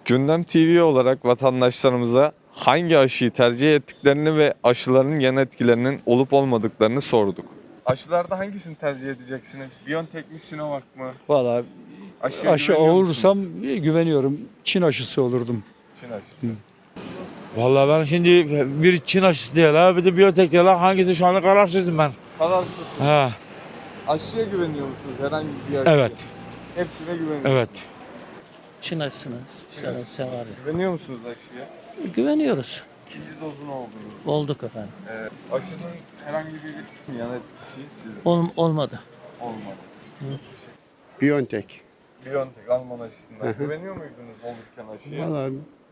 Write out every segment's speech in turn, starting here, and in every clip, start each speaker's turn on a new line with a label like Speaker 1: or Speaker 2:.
Speaker 1: Gündem TV olarak vatandaşlarımıza hangi aşıyı tercih ettiklerini ve aşıların yan etkilerinin olup olmadıklarını sorduk. Aşılarda hangisini tercih edeceksiniz? BioNTech mi, Sinovac mı?
Speaker 2: Valla
Speaker 1: Aşıya
Speaker 2: aşı
Speaker 1: güveniyor
Speaker 2: olursam
Speaker 1: musunuz?
Speaker 2: güveniyorum. Çin aşısı olurdum.
Speaker 1: Çin aşısı.
Speaker 3: Vallahi ben şimdi bir Çin aşısı diyorlar, bir de biyotek diyorlar. Hangisi şu anda kararsızım ben.
Speaker 1: Kararsızsın.
Speaker 3: Ha,
Speaker 1: Aşıya güveniyor musunuz? Herhangi bir aşıya?
Speaker 3: evet,
Speaker 1: Hepsine güveniyor
Speaker 3: evet.
Speaker 1: musunuz?
Speaker 4: Çin aşısını sever.
Speaker 1: Güveniyor musunuz aşıya?
Speaker 4: Güveniyoruz.
Speaker 1: İkinci dozunu oldunuz.
Speaker 4: Olduk efendim.
Speaker 1: Aşının herhangi bir yan etkisi sizin
Speaker 4: Olmadı.
Speaker 1: olmadı.
Speaker 5: BioNTech.
Speaker 1: BioNTech Alman aşısından güveniyor muydunuz olurken aşıya?
Speaker 5: Valla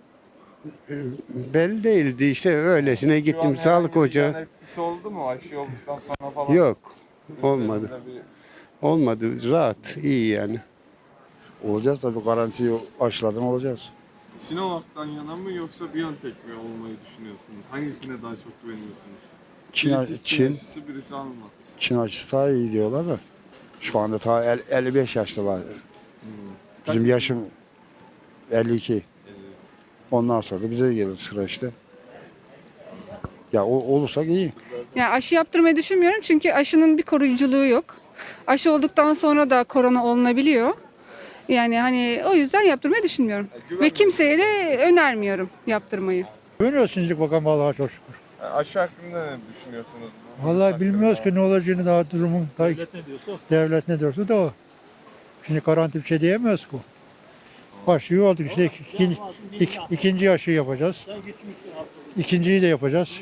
Speaker 5: belli değildi işte öylesine
Speaker 1: Şu an
Speaker 5: gittim
Speaker 1: herhangi
Speaker 5: sağlık
Speaker 1: bir
Speaker 5: ocağı.
Speaker 1: yan etkisi oldu mu aşı olduktan sonra falan?
Speaker 5: Yok
Speaker 1: Üstlerinde
Speaker 5: olmadı. Olmadı rahat iyi yani.
Speaker 6: Olacağız tabii, garantiyi aşıladan olacağız.
Speaker 1: Sinovac'tan yana mı yoksa BioNTech mi olmayı düşünüyorsunuz? Hangisine daha çok güveniyorsunuz?
Speaker 6: Çin
Speaker 1: Birisi Çin aşısı, birisi Alman.
Speaker 6: aşısı daha iyi diyorlar da. Şu anda ta 55 yaştalar. Bizim yaşım 52. Ondan sonra da bize gelir sıra işte. Ya olursak iyi.
Speaker 7: Yani aşı yaptırmayı düşünmüyorum çünkü aşının bir koruyuculuğu yok. Aşı olduktan sonra da korona olunabiliyor. Yani hani o yüzden yaptırmayı düşünmüyorum. Ve kimseye de önermiyorum yaptırmayı.
Speaker 8: Güveniyoruz şimdilik bakalım vallahi çok şükür.
Speaker 1: Aşı hakkında ne düşünüyorsunuz? Bu
Speaker 8: Vallahi
Speaker 1: virüs
Speaker 8: bilmiyoruz
Speaker 1: hakkında?
Speaker 8: ki ne olacağını daha durumun. Devlet ne diyorsa da o. Şimdi garanti bir şey diyemiyoruz ki. Aşıyı olduk işte ikinci aşıyı yapacağız. İkinciyi de yapacağız.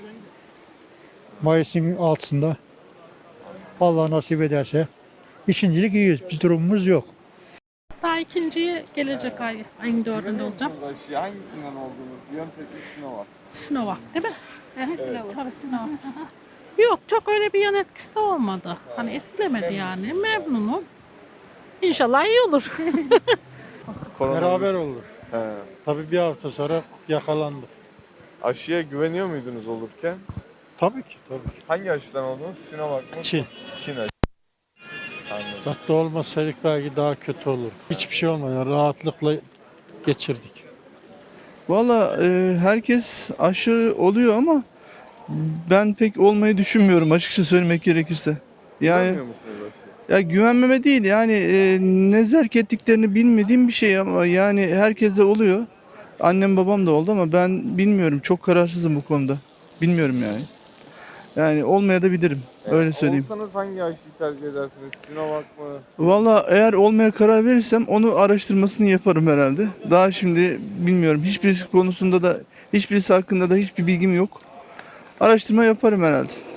Speaker 8: Mayıs'ın 6'sında. Allah nasip ederse. İkincilik iyiyiz. Bir durumumuz yok.
Speaker 9: Daha ikinciye gelecek ayın 4'ünde
Speaker 1: Güveniyor
Speaker 9: olacak.
Speaker 1: musunuz aşıya? Hangisinden olduğunuz? BioNTech mi, Sinovac?
Speaker 9: Sinovac değil mi? Tabii Sinovac. Yok çok öyle bir yan etkisi de olmadı. Hani etkilemedi yani. Memnunum. İnşallah iyi olur.
Speaker 8: Beraber olur.
Speaker 1: He.
Speaker 8: Tabii bir hafta sonra yakalandı.
Speaker 1: Aşıya güveniyor muydunuz olurken?
Speaker 8: Tabii ki tabii ki.
Speaker 1: Hangi aşıdan oldunuz? Sinovac mı?
Speaker 8: Çin.
Speaker 1: Çin aşısı. Anladım.
Speaker 8: Uzakta olmasaydık belki daha kötü olurdu. Hiçbir şey olmadı. Yani rahatlıkla geçirdik.
Speaker 10: Valla herkes aşı oluyor ama ben pek olmayı düşünmüyorum açıkça söylemek gerekirse. Yani
Speaker 1: Güvenmiyor musunuz aşıya?
Speaker 10: ya güvenmeme değil yani ne zerk ettiklerini bilmediğim bir şey ama yani herkes de oluyor. Annem babam da oldu ama ben bilmiyorum, çok kararsızım bu konuda. Bilmiyorum yani. Yani olmaya da bilirim, öyle söyleyeyim.
Speaker 1: Olsanız hangi aşıyı tercih edersiniz? Sinovac mı?
Speaker 10: Valla eğer olmaya karar verirsem onu araştırmasını yaparım herhalde. Daha şimdi bilmiyorum. Hiçbirisi konusunda da, hiçbirisi hakkında da hiçbir bilgim yok. Araştırma yaparım herhalde.